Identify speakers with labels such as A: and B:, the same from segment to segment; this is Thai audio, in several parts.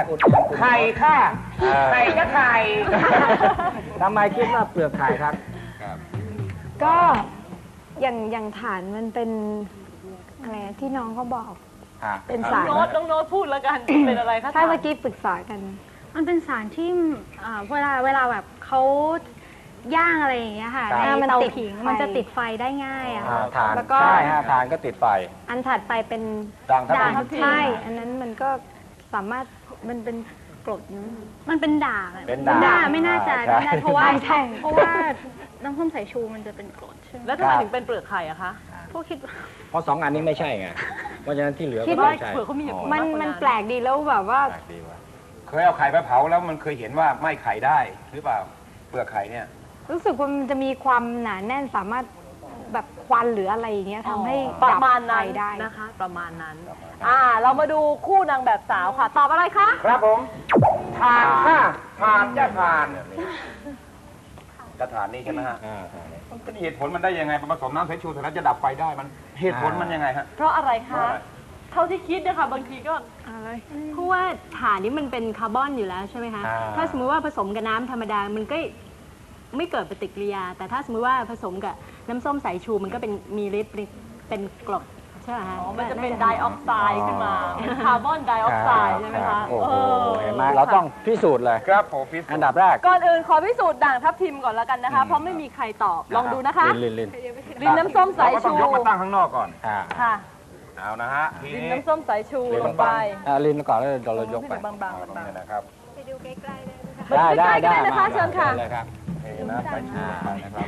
A: อุด
B: ไข่ค่ะไข่ก็ไข่
A: ทำไมคิดว่าเปลือกไข่ครับ
C: ก็อย่างฐานมันเป็นอะไรที่น้องเขาบอกเป็นสาร
D: น้องโน้ตพูดแล้วกันเป็นอะไรคะ
C: ใช่เมื่อกี้ปรึกษากัน
E: มันเป็นสารที่เวลาแบบเขาย่างอะไรอย่างเงี้ยค่ะในเตาผิงมันจะติดไฟได้ง่ายอะค่ะ
A: แล้วก็ใช่ฐานก็ติดไฟ
C: อันถัดไปเป็น
A: ด่างทับทิม
C: ใช่อันนั้นมันก็สามารถมันเป็นกรด
E: มันเป็นด่างไม่น่าจะเพราะว่าน้ำส้มสายชูมันจะเป็นกรดใช่ไหม
D: แล้วทำไมถึงเป็นเปลือกไข่อะคะ
E: พวกคิด
A: เพราะ2 อันนี้ไม่ใช่ไงเพราะฉะนั้นที่เหลือก็
D: ไม่ใช่เปลือกเขามี
C: มันแปลกดีแล้วแบบว่า
B: เคยเอาไข่ไปเผาแล้วมันเคยเห็นว่าไหม้ไข่ได้หรือเปล่าเปลือกไข่เนี่ย
C: รู้สึกว่ามันจะมีความหนาแน่นสามารถแบบควันหรืออะไรอย่างเงี้ยทำให้
D: ประมาณนั้น
C: ได้
D: นะคะประมาณนั้นเรามาดูคู่นางแบบสาวค่ะตอบอะไรคะ
B: ครับผมผ่านค่ะผ่านจะผ่านกระถานนี่ใช่ไหมฮะมันเป็นเหตุผลมันได้ยังไงผสมน้ำสายชูเสร็จแล้วจะดับไฟได้มันเหตุผลมันยังไงฮะ
D: เพราะอะไรคะเท่าที่คิดนะคะบางทีก็
F: อะไรเพราะว่าฐานนี้มันเป็นคาร์บอนอยู่แล้วใช่ไหมคะถ้าสมมติว่าผสมกับน้ำธรรมดามันก็ไม่เกิดปฏิกิริยาแต่ถ้าสมมติว่าผสมกับน้ำส้มสายชูมันก็เป็นมีฤทธิ์เป็นกรดใช่ไหมคะ
D: มันจะเป็นไดออกไซด์ขึ้นมาคาร์บอนไดออกไซด์ใช่ไหมคะ
A: โอ้โหเห็นไหมเราต้องพิสูจน์เลย
B: ครับผมพิสูจน์
A: อันดับแรก
D: ก่อนอื่นขอพิสูจน์ด่างทับทิมก่อนแล้วกันนะคะเพราะไม่มีใครตอบลองดูนะคะลินน้ำส้มสายชู
B: ต้องยกมาตั้งข้างนอกก่อน
D: ค่ะ
B: เอานะฮะ
D: ลินน้ำส้มสายชูลงไป
A: ลินก่อนแล้วเรายกไป
D: บางๆ
B: นะครับ
C: ไปดูใกล้ๆได้
D: นะคะเชิญค่ะ
A: เลยครับ
B: นะสายชูนะครับ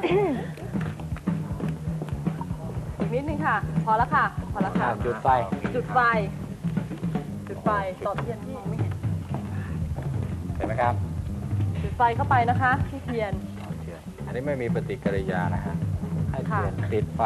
D: อีกนิดนึงค่ะพอแล้วค่ะ
A: จุดไฟ
D: ต่อเทียนที่ไม่
A: เห็นไหมครับ
D: จุดไฟเข้าไปนะคะที่เทียน
A: อันนี้ไม่มีปฏิกิริยานะฮะให้เทียนติดไฟ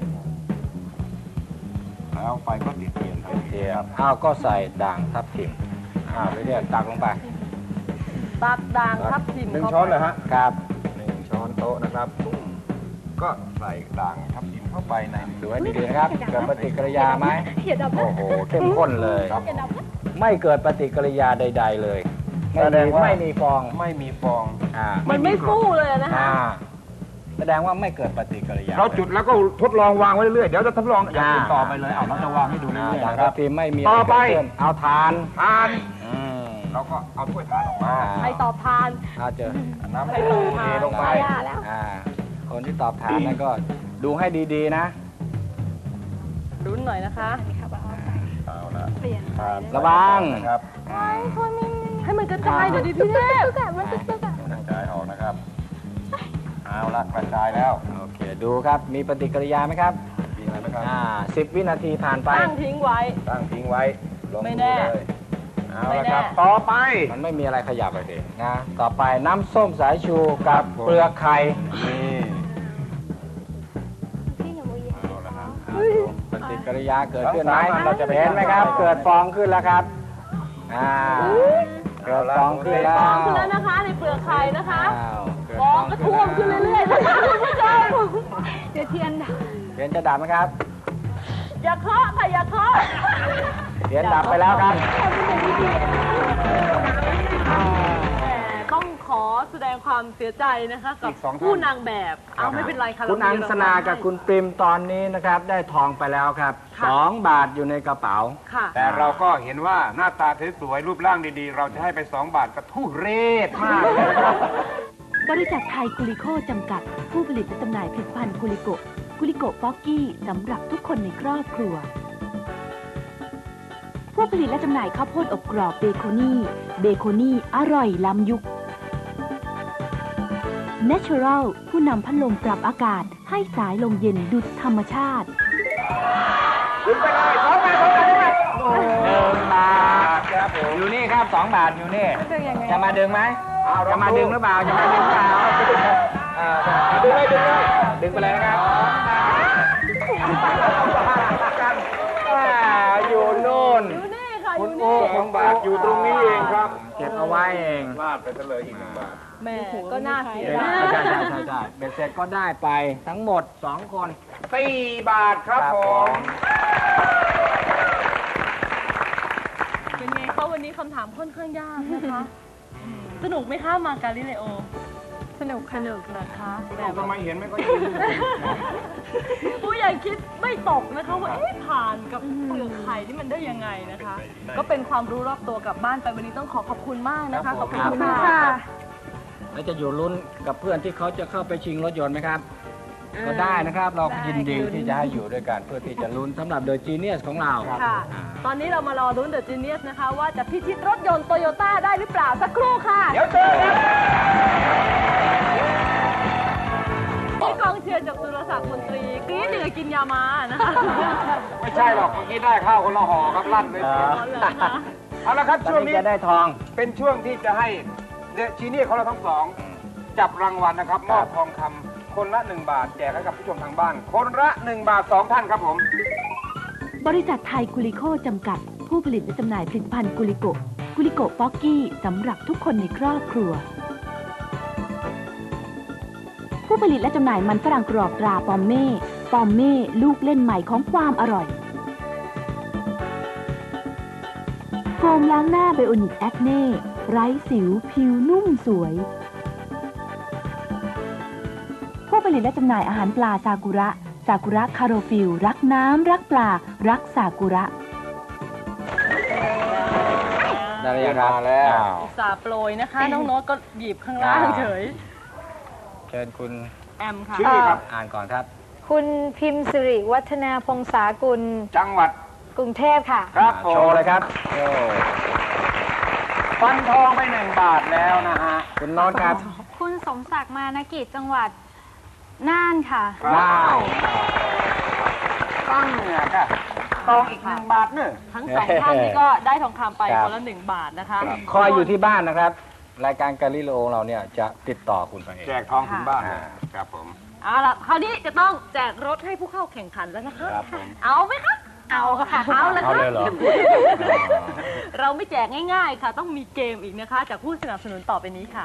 B: แล้วไฟก็ติดเทียน
A: ก็ใส่ด่างทับทิมไปเรียกตักลงไป
D: ตักด่างทับทิม
B: 1 ช้อนเลยฮะ
A: ครับ
B: 1 ช้อนโต๊ะนะครับก็ใส่ด่างทับทิมเข้าไปใน
A: ดูให้ดีๆนะครับเกิดปฏิกิริยาไหมโอ้โหเข้มข้นเลยไม่เกิดปฏิกิริยาใดๆเลยแสดงว่าไม่มีฟอง
D: มันไม่ฟู่เลยนะคะ
A: แสดงว่าไม่เกิดปฏิกิริยา
B: เราจุดแล้วก็ทดลองวางไว้เรื่อยเดี๋ยวจะทดลองอย่างอื่นต่อไปเลยเราจะวางให้ดูเรื่อย
A: ๆครับไม่มี
B: ต่อไป
A: เอาทาน
B: เราก็เอาถ้วยทานออกมา
D: ใครตอบทาน
A: เจอ
B: น้ำเทลงไป
A: คนที่ตอบทานนั่นก็ดูให้ดีๆนะ
D: รุ้นหน่อยนะคะ
B: เอาละ
A: ระวัง
B: ครับ
D: ให้มันกระจายเดี๋ยวดิพี่เทพ
B: กระจายออกนะครับเอาละกระจายแล้ว
A: โอเคดูครับมีปฏิกิริยาไหมครับ
B: มีอะไรไหมครับ
A: 10 วินาทีผ่านไป
D: ตั้งทิ้งไว้ไม่แน่
B: เอาละครับต่อไป
A: มันไม่มีอะไรขยับเลยนะต่อไปน้ำส้มสายชูกับเปลือกไข่ปฏิกิริยาเกิดขึ้นไหมเราจะเห็นไหมครับเกิดฟองขึ้นแล้วครับเกิดฟองขึ้นแล้ว
D: นะคะในเปลือกไข่นะคะฟองก็ท่วมขึ้นเรื่อยๆนะคะคุณผู้ชม
C: เดี๋ยวเทียน
A: จะดับไหมครับ
D: อย่าเคาะค่ะอย่าเคาะ
A: เทียนดับไปแล้วครับ
D: ต้องขอแสดงความเสียใจนะคะกับผู้นางแบบไม่เป็นไรค่ะ
A: คุณอังสนากับคุณปริมตอนนี้นะครับได้ทองไปแล้วครับ2 บาทอยู่ในกระเป๋า
B: แต่เราก็เห็นว่าหน้าตาสวยๆรูปร่างดีๆเราจะให้ไป2 บาทก็ทุเรศมากเลยครับ
G: บริษัทไทยกุลิโคจำกัดผู้ผลิตและจำหน่ายผลิตภัณฑ์กุลิโกป๊อกกี้สำหรับทุกคนในครอบครัวผู้ผลิตและจำหน่ายข้าวโพดอบกรอบเบโคนี่อร่อยล้ำยุค Natural ผู้นำพัดลมปรับอากาศให้สายลมเย็นดุจธรรมชาติ
B: ดึงไปเลย2 บาท
A: 1 บาทครับผมอยู่นี่ครับ2 บาทอยู่นี่จะมาดึงไหมจะมาดึงหรือเปล่าดึงไปเลยนะครับอยู่นู่น
B: คุณโอ้2 บาทอยู่ตรงนี้เองครับ
A: เก็บเอาไว้เอง
B: ลาดไปเลยอีก1 บาท
D: แม่ก็น่าเสีย
A: ใช่เบ็ดเสร็จก็ได้ไปทั้งหมด2 คน
B: 4 บาทครับผม
D: เป็นไงเขาวันนี้เขาคำถามค่อนข้างยากนะคะ สนุกไหมคะมากาลิเลโอ
C: สนุกค่ะ
D: สนุกนะคะแต่
B: ทำไมเห็นไม่ค่อย
D: ผู้ใหญ่คิดไม่ตกนะคะว่าผ่านกับเปลือกไข่นี่มันได้ยังไงนะคะ ก็เป็นความรู้รอบตัวกลับบ้านไปวันนี้ต้องขอบคุณมากนะคะขอบคุณค่ะ
A: แล้วจะอยู่ลุ้นกับเพื่อนที่เขาจะเข้าไปชิงรถยนต์ไหมครับ ก็ได้นะครับ เรายินดีที่จะให้อยู่ด้วยกันเพื่อที่จะลุ้นสำหรับ The Genius ของเรา
D: ค่ะ ตอนนี้เรามารอรุ้นเดอะจีเนียสนะคะ ว่าจะพิชิตรถยนต์โตโยต้าได้หรือเปล่าสักครู่ค่ะ
B: เดี๋ยวเจอกัน
D: ที่กองเชียร์จากสุรศักดิ์มนตรีกรี๊ดเหนือกินยามานะคะ
B: ไม่ใช่หรอกเมื่อกี้ได้ข้าวคนละห่อครับลั่นเลยเสียง
D: อ๋อเหรอคะ
B: เอาละครับ
A: ตอน
B: ช่วง
A: นี้
B: นี้
A: จะได้ทอง
B: เป็นช่วงที่จะให้เดอะจีเนียสของเราทั้งสองจับรางวัลนะครับมอบทองคำคนละ 1 บาทแจกให้กับผู้ชมทางบ้าน คนละ 1 บาท 2 ท่านครับผม
G: บริษัทไทยกุลิโคจำกัด ผู้ผลิตและจำหน่ายผลิตภัณฑ์กุลิโกกุลิโกป๊อกกี้สำหรับทุกคนในครอบครัว ผู้ผลิตและจำหน่ายมันฝรั่งกรอบตราปอมเม่ปอมเม่ลูกเล่นใหม่ของความอร่อยโฟมล้างหน้าไบโอนิกแอคเน่ไร้สิวผิวนุ่มสวยผู้ผลิตและจำหน่ายอาหารปลาซากุระซากุระคาโรฟิลรักน้ำรักปลารักซากุระ
A: ได้หรือยังครับ
B: มาแล้ว
A: อ้าว
D: อุตส่าห์โปรยนะคะ น้องโน้ตก็หยิบข้างล่างเฉย
A: เชิญคุณ
D: แอมค่ะ
B: ชื่อครับ
A: อ่านก่อนครับ
C: คุณพิมพ์สิริวัฒนาพงษากุล
B: จังหวัด
C: กรุงเทพค่ะ
B: ครับผ
A: โช
B: ม
A: ว์เลยครับโอ้
B: ฟันทองไป 1 บาทแล้วนะฮะ
A: คุณโน้ตครับ
E: คุณสมศักดิ์มานกิจจังหวัดน่านค่ะ
A: ได้
B: ตั้งเนี่ยค่ะทองอีก 1 บาทเนอะ
D: ทั้งสองท่านนี่ก็ได้ทองคำไปคนละ1 บาทนะคะ
A: คอยอยู่ที่บ้านนะครับ รายการกาลิโลเราเนี่ยจะติดต่อคุณไปเอง
B: แจกทองถึงบ้านเลยครับผม
D: เอาล่ะคราวนี้จะต้องแจกรถให้ผู้เข้าแข่งขันแล้วนะคะ
A: ครับผม
D: เอาไหมคะ เอาค่ะ เอาเลย
A: เอา
D: ค่ะ
A: เลยเหรอ
D: เราไม่แจกง่ายๆค่ะ ต้องมีเกมอีกนะคะ จากผู้สนับสนุนต่อไปนี้ค่ะ